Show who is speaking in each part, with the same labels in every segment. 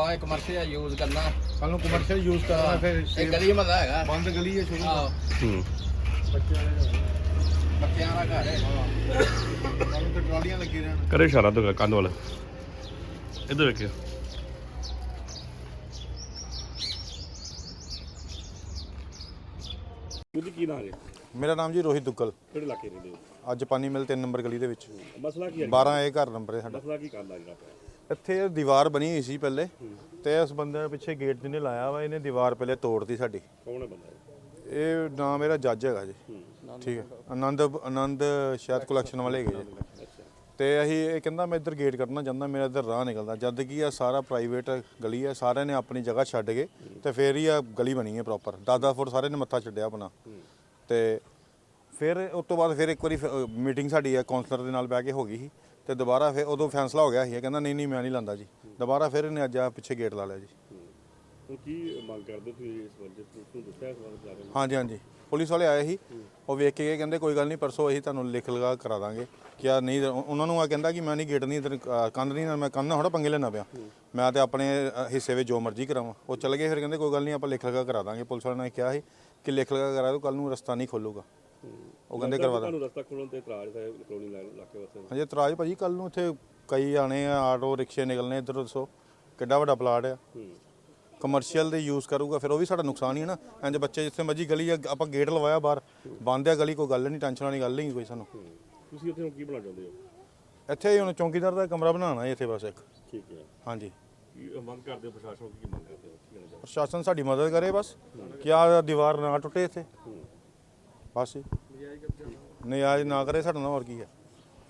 Speaker 1: ਆਪਾਂ ਇਹ commercial use ਕਰਨਾ,
Speaker 2: ਕੱਲ ਨੂੰ ਕਮਰਸ਼ੀਅਲ ਯੂਜ਼ ਕਰਨਾ, ਫਿਰ
Speaker 1: ਇਹ ਗਲੀ ਮਹੱਲਾ ਹੈਗਾ,
Speaker 2: ਬੰਦ ਗਲੀ ਹੈ ਸ਼ੁਰੂ
Speaker 1: ਆਹੋ ਬੱਚਿਆਂ ਦਾ ਘਰ ਹੈ।
Speaker 2: ਸਾਨੂੰ ਤੇ ਟਰਾਲੀਆਂ ਲੱਗੀ ਰਹਿਣ।
Speaker 3: ਕਰੇ ਇਸ਼ਾਰਾ ਤੋਂ ਕੰਧ ਵਾਲਾ ਇੱਧਰ ਵੇਖਿਓ। ਉਹਦੀ ਕੀ ਨਾਮ ਹੈ?
Speaker 2: ਮੇਰਾ ਨਾਮ ਜੀ ਰੋਹਿਤ ਦੁੱਗਲ।
Speaker 3: ਕਿਹੜੇ ਇਲਾਕੇ ਰਹਿੰਦੇ ਹੋ?
Speaker 2: ਅੱਜ ਪਾਣੀ ਮਿਲ 3 ਨੰਬਰ ਗਲੀ ਦੇ ਵਿੱਚ।
Speaker 3: ਮਸਲਾ ਕੀ ਹੈ?
Speaker 2: 12 ਇਹ ਘਰ ਨੰਬਰ ਹੈ ਸਾਡਾ।
Speaker 3: ਮਸਲਾ ਕੀ ਕਰਦਾ ਜਿਹੜਾ ਪਿਆ?
Speaker 2: ਇੱਥੇ ਦੀਵਾਰ ਬਣੀ ਹੋਈ ਸੀ ਪਹਿਲੇ, ਤੇ ਇਸ ਬੰਦੇ ਦੇ ਪਿੱਛੇ ਗੇਟ ਜਿਹਨੇ ਲਾਇਆ ਵਾ, ਇਹਨੇ ਦੀਵਾਰ ਪਹਿਲੇ ਤੋੜਤੀ ਸਾਡੀ।
Speaker 3: ਕੌਣ ਹੈ ਬੰਦਾ?
Speaker 2: ਇਹ ਨਾਮ ਮੇਰਾ ਜੱਜ ਹੈਗਾ ਜੀ, ਠੀਕ ਹੈ, ਆਨੰਦ ਸ਼ਾਇਦ ਕਲੈਕਸ਼ਨ ਵਾਲੇ ਹੈਗੇ ਜੀ। ਤੇ ਅਸੀਂ ਇਹ ਕਹਿੰਦਾ ਮੈਂ ਇੱਧਰ ਗੇਟ ਕੱਢਣਾ ਚਾਹੁੰਦਾ, ਮੇਰਾ ਇੱਧਰ ਰਾਹ ਨਿਕਲਦਾ, ਜਦ ਕਿ ਆ ਸਾਰਾ ਪ੍ਰਾਈਵੇਟ ਗਲੀ ਹੈ, ਸਾਰਿਆਂ ਨੇ ਆਪਣੀ ਜਗ੍ਹਾ ਛੱਡ ਕੇ ਤੇ ਫੇਰ ਹੀ ਆ ਗਲੀ ਬਣੀ ਹੈ ਪ੍ਰੋਪਰ। 10-10 ਫੁੱਟ ਸਾਰੇ ਨੇ ਮੱਥਾ ਛੱਡਿਆ ਆਪਣਾ। ਤੇ ਫਿਰ ਉਸ ਤੋਂ ਬਾਅਦ ਫਿਰ ਇੱਕ ਵਾਰੀ ਮੀਟਿੰਗ ਸਾਡੀ ਆ ਕਾਉਂਸਲਰ ਦੇ ਨਾਲ ਬਹਿ ਕੇ ਹੋ ਗਈ ਸੀ, ਤੇ ਦੁਬਾਰਾ ਫਿਰ ਉਦੋਂ ਫੈਸਲਾ ਹੋ ਗਿਆ ਸੀ, ਕਹਿੰਦਾ ਨਹੀਂ ਮੈਂ ਨਹੀਂ ਲਾਂਦਾ ਜੀ। ਦੁਬਾਰਾ ਫਿਰ ਇਹਨੇ ਅੱਜ ਆ ਪਿੱਛੇ ਗੇਟ ਲਾ ਲਿਆ ਜੀ।
Speaker 3: ਹੁਣ ਕੀ ਮੰਗ ਕਰਦੇ ਤੁਸੀਂ ਇਸ ਬਾਰੇ? ਤੁਹਾਨੂੰ ਦੱਸਿਆ ਇਸ ਬਾਰੇ ਜਾ ਕੇ?
Speaker 2: ਹਾਂਜੀ ਪੁਲਿਸ ਵਾਲੇ ਆਏ ਸੀ, ਉਹ ਵੇਖ ਕੇ ਗਏ, ਕਹਿੰਦੇ ਕੋਈ ਗੱਲ ਨਹੀਂ, ਪਰਸੋਂ ਅਸੀਂ ਤੁਹਾਨੂੰ ਲਿਖ ਲਗਾ ਕਰਾ ਦਾਂਗੇ। ਕਿਆ ਨਹੀਂ, ਉਹਨਾਂ ਨੂੰ ਆ ਕਹਿੰਦਾ ਕਿ ਮੈਂ ਨਹੀਂ ਗੇਟ ਨਹੀਂ ਇੱਧਰ ਕੰਧ ਨਹੀਂ, ਮੈਂ ਕੰਧ ਨਾਲ ਥੋੜ੍ਹਾ ਪੰਗੇ ਲੈਣਾ ਪਿਆ, ਮੈਂ ਤੇ ਆਪਣੇ ਹਿੱਸੇ ਵਿੱਚ ਜੋ ਮਰਜ਼ੀ ਕਰਾਵਾਂ। ਉਹ ਚੱਲ ਗਏ, ਫਿਰ ਕਹਿੰਦੇ ਕੋਈ ਗੱਲ ਨਹੀਂ ਆਪਾਂ ਲਿਖ ਲਗਾ ਕਰਾ ਦਾਂਗੇ। ਪੁਲਿਸ ਵਾਲਿਆਂ ਨੇ ਕਿਹਾ ਸੀ ਕਿ ਲਿਖ ਲਗਾ ਕਰਾ ਦਿਓ, ਕੱਲ ਨੂੰ ਰਸਤਾ ਨਹੀਂ ਖੋਲੂਗਾ। ਉਹ ਕਹਿੰਦੇ ਕਰਵਾ ਦਾਂ।
Speaker 3: ਤੁਹਾਨੂੰ ਰਸਤਾ ਖੋਲਣ ਤੇ ਇਤਰਾਜ਼ ਹੈ ਕਲੋਨੀ ਇਲਾਕੇ ਵਾਸਤੇ?
Speaker 2: ਹਾਂਜੀ ਇਤਰਾਜ਼ ਭਾਜੀ, ਕੱਲ ਨੂੰ ਇੱਥੇ ਕਈ ਆਣੇ ਆ, ਆਟੋ ਰਿਕਸ਼ੇ ਨਿਕਲਣੇ ਇੱਧਰ। ਦੱਸੋ ਕਿੱਡਾ ਵੱਡਾ ਪਲਾਟ ਆ, ਕਮਰਸ਼ੀਅਲ ਦੇ ਯੂਜ਼ ਕਰੂਗਾ, ਫਿਰ ਉਹ ਵੀ ਸਾਡਾ ਨੁਕਸਾਨ ਹੀ ਹੈ ਨਾ। ਇੰਜ ਬੱਚੇ ਜਿੱਥੇ ਮਰਜੀ ਗਲੀ ਆ, ਆਪਾਂ ਗੇਟ ਲਵਾਇਆ ਬਾਹਰ, ਬੰਦ ਆ ਗਲੀ, ਕੋਈ ਗੱਲ ਨਹੀਂ, ਟੈਨਸ਼ਨ ਵਾਲੀ ਗੱਲ ਨਹੀਂ ਕੋਈ ਸਾਨੂੰ।
Speaker 3: ਤੁਸੀਂ ਉੱਥੇ ਹੁਣ ਕੀ ਬਣਾ ਚਾਹੁੰਦੇ ਹੋ?
Speaker 2: ਇੱਥੇ ਹੁਣ ਚੌਂਕੀਦਾਰ ਦਾ ਕਮਰਾ ਬਣਾਉਣਾ ਹੈ ਇੱਥੇ ਬਸ ਇੱਕ।
Speaker 3: ਠੀਕ ਹੈ।
Speaker 2: ਹਾਂਜੀ,
Speaker 3: ਕੀ ਮੰਗ ਕਰਦੇ ਹੋ ਪ੍ਰਸ਼ਾਸਨ ਤੋਂ? ਕੀ ਮੰਗ ਕਰਦੇ ਹੋ? ਕੀ ਕਹਿਣਾ ਚਾਹੁੰਦੇ
Speaker 2: ਪ੍ਰਸ਼ਾਸਨ ਸਾਡੀ ਮਦਦ ਕਰੇ ਬਸ, ਕਿ ਆ ਦੀਵਾਰ ਨਾ ਟੁੱਟੇ ਇੱਥੇ ਬਸ ਹੀ, ਨਿਆਜ਼ ਨਾ ਕਰੇ ਸਾਡੇ ਨਾਲ, ਹੋਰ ਕੀ ਹੈ।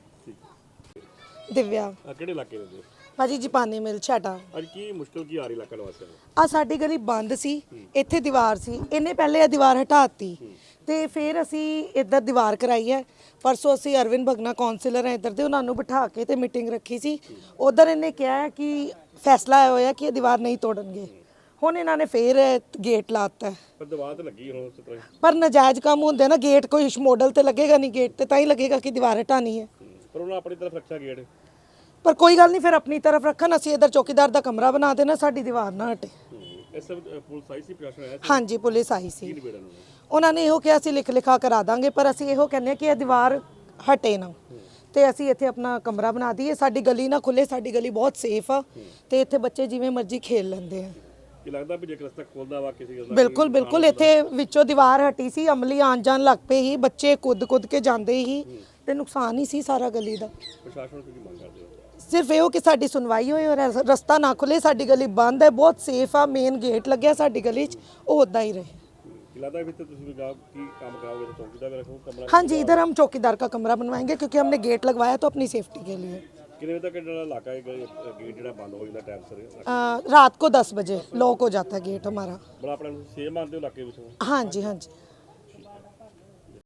Speaker 4: ਦਿਵਿਆ
Speaker 3: ਹੋ? ਕਿਹੜੇ ਇਲਾਕੇ ਦੇ?
Speaker 4: ਭਾਜੀ ਜਪਾਨੀ ਮਿਲ ਛਾਟਾ।
Speaker 3: ਅੱਜ ਕੀ ਮੁਸ਼ਕਲ ਕੀ ਆ ਰਹੀ ਇਲਾਕਾ ਨਿਵਾਸੀਆਂ ਨੂੰ?
Speaker 4: ਆ ਸਾਡੀ ਗਲੀ ਬੰਦ ਸੀ, ਇੱਥੇ ਦੀਵਾਰ ਸੀ, ਇਹਨੇ ਪਹਿਲੇ ਇਹ ਦੀਵਾਰ ਹਟਾਤੀ ਤੇ ਫਿਰ ਅਸੀਂ ਇੱਧਰ ਦੀਵਾਰ ਕਰਾਈ ਹੈ। ਪਰਸੋਂ ਅਸੀਂ ਅਰਵਿੰਦ ਭਗਨਾ ਕਾਉਂਸਲਰ ਹੈ ਇੱਧਰ ਦੇ, ਉਹਨਾਂ ਨੂੰ ਬਿਠਾ ਕੇ ਤੇ ਮੀਟਿੰਗ ਰੱਖੀ ਸੀ। ਉਧਰ ਇਹਨੇ ਕਿਹਾ ਕਿ ਫੈਸਲਾ ਆਇਆ ਹੋਇਆ ਕਿ ਇਹ ਦੀਵਾਰ ਨਹੀਂ ਤੋੜਨਗੇ। ਹੁਣ ਇਹਨਾਂ ਨੇ ਫੇਰ ਗੇਟ ਲਾਤਾ।
Speaker 3: ਪਰ ਦੀਵਾਰ ਤੇ ਲੱਗੀ ਹੁਣ ਉਸ ਤਰ੍ਹਾਂ।
Speaker 4: ਪਰ ਨਜਾਇਜ਼ ਕੰਮ ਹੁੰਦੇ ਨਾ, ਗੇਟ ਕੋਈ ਮਾਡਲ ਤੇ ਲੱਗੇਗਾ ਨਹੀਂ, ਗੇਟ ਤੇ ਤਾਂ ਹੀ ਲੱਗੇਗਾ ਕਿ ਦੀਵਾਰ ਹਟਾਣੀ ਹੈ।
Speaker 3: ਪਰ ਉਹਨਾਂ ਆਪਣੀ ਤਰਫ ਰੱਖਿਆ ਗੇਟ।
Speaker 4: ਪਰ ਕੋਈ ਗੱਲ ਨਹੀਂ, ਫਿਰ ਆਪਣੀ ਤਰਫ ਰੱਖਣ, ਅਸੀਂ ਇੱਧਰ ਚੌਕੀਦਾਰ ਦਾ ਕਮਰਾ ਬਣਾ ਦੇਣਾ, ਸਾਡੀ ਦੀਵਾਰ ਨਾ ਹਟੇ।
Speaker 3: ਇਸ ਪੁਲਿਸ ਆਈ ਸੀ, ਪ੍ਰਸ਼ਾਸਨ ਆਇਆ ਸੀ?
Speaker 4: ਹਾਂਜੀ ਪੁਲਿਸ ਆਈ ਸੀ,
Speaker 3: ਨਿਬੇੜਨ ਨੂੰ?
Speaker 4: ਉਹਨਾਂ ਨੇ ਇਹੋ ਕਿਹਾ ਸੀ ਲਿਖ ਲਿਖਾ ਕਰਾ ਦਾਂਗੇ, ਪਰ ਅਸੀਂ ਇਹੋ ਕਹਿੰਦੇ ਕਿ ਇਹ ਦੀਵਾਰ ਹਟੇ ਨਾ ਤੇ ਅਸੀਂ ਇੱਥੇ ਆਪਣਾ ਕਮਰਾ ਬਣਾ ਦਈਏ, ਸਾਡੀ ਗਲੀ ਨਾ ਖੁੱਲੇ। ਸਾਡੀ ਗਲੀ ਬਹੁਤ ਸੇਫ ਆ ਤੇ ਇੱਥੇ ਬੱਚੇ ਜਿਵੇਂ ਮਰਜ਼ੀ ਖੇਲ ਲੈਂਦੇ ਆ।
Speaker 3: ਕੀ ਲੱਗਦਾ ਵੀ ਜੇ ਰਸਤਾ ਖੋਲਦਾ ਵਾ ਕਿਸੇ ਦਾ?
Speaker 4: ਬਿਲਕੁਲ ਇੱਥੇ ਵਿੱਚੋਂ ਦੀਵਾਰ ਹਟੀ ਸੀ, ਅਮਲੀ ਆਣ ਜਾਣ ਲੱਗ ਪਏ ਹੀ, ਬੱਚੇ ਕੁੱਦ ਕੇ ਜਾਂਦੇ ਹੀ ਤੇ ਨੁਕਸਾਨ ਹੀ ਸੀ ਸਾਰਾ ਗਲੀ ਦਾ।
Speaker 3: ਪ੍ਰਸ਼ਾਸਨ ਤੋਂ ਕੀ ਮੰਗ ਕਰਦੇ ਹੋ?
Speaker 4: ਸਿਰਫ ਇਹੋ ਕਿ ਸਾਡੀ ਸੁਣਵਾਈ ਹੋਏ ਔਰ ਰਸਤਾ ਨਾ ਖੁੱਲੇ। ਸਾਡੀ ਗਲੀ ਬੰਦ ਹੈ, ਬਹੁਤ ਸੇਫ ਆ, ਮੇਨ ਗੇਟ ਲੱਗਿਆ ਸਾਡੀ ਗਲੀ 'ਚ, ਉਹ ਉੱਦਾਂ ਹੀ ਰਹੇ।
Speaker 3: ਕੀ ਲੱਗਦਾ ਵੀ ਤੁਸੀਂ ਵੀ ਕੀ ਕੰਮ कराओगे? तो चौकीदार में रखो कमरा?
Speaker 4: हाँ जी, इधर हम चौकीदार का कमरा बनवाएंगे क्योंकि हमने गेट लगवाया तो अपनी सेफ्टी के लिए।
Speaker 3: कितने बजे तक इलाका गेट जो बंद हो जाता टाइम सर?
Speaker 4: रात को 10 बजे लॉक हो जाता है गेट हमारा।
Speaker 3: बड़ा अपने सेफ मानते हो इलाके में?
Speaker 4: हाँ जी